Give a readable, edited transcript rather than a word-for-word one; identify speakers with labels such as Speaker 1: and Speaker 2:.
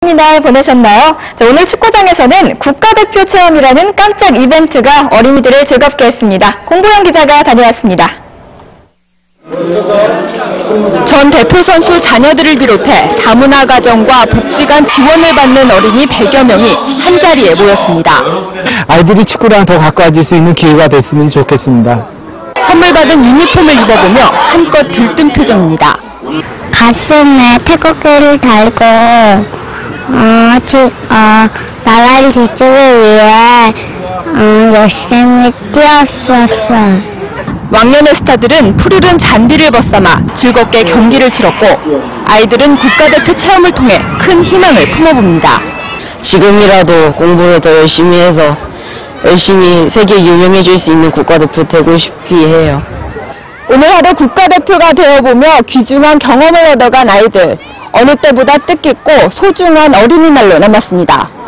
Speaker 1: 어린이날 보내셨나요? 자, 오늘 축구장에서는 국가대표 체험이라는 깜짝 이벤트가 어린이들을 즐겁게 했습니다. 공보영 기자가 다녀왔습니다. 전 대표 선수 자녀들을 비롯해 다문화 가정과 복지관 지원을 받는 어린이 100여 명이 한자리에 모였습니다.
Speaker 2: 아이들이 축구랑 더 가까워질 수 있는 기회가 됐으면 좋겠습니다.
Speaker 1: 선물 받은 유니폼을 입어보며 한껏 들뜬 표정입니다.
Speaker 3: 가슴에 태극기를 달고 나라를 지키기 위해 열심히 뛰었었어.
Speaker 1: 왕년의 스타들은 푸르른 잔디를 벗삼아 즐겁게 경기를 치렀고 아이들은 국가대표 체험을 통해 큰 희망을 품어봅니다.
Speaker 4: 지금이라도 공부를 더 열심히 해서 열심히 세계에 유명해질 수 있는 국가대표 되고 싶이 해요.
Speaker 1: 오늘 하루 국가대표가 되어보며 귀중한 경험을 얻어간 아이들. 어느 때보다 뜻깊고 소중한 어린이날로 남았습니다.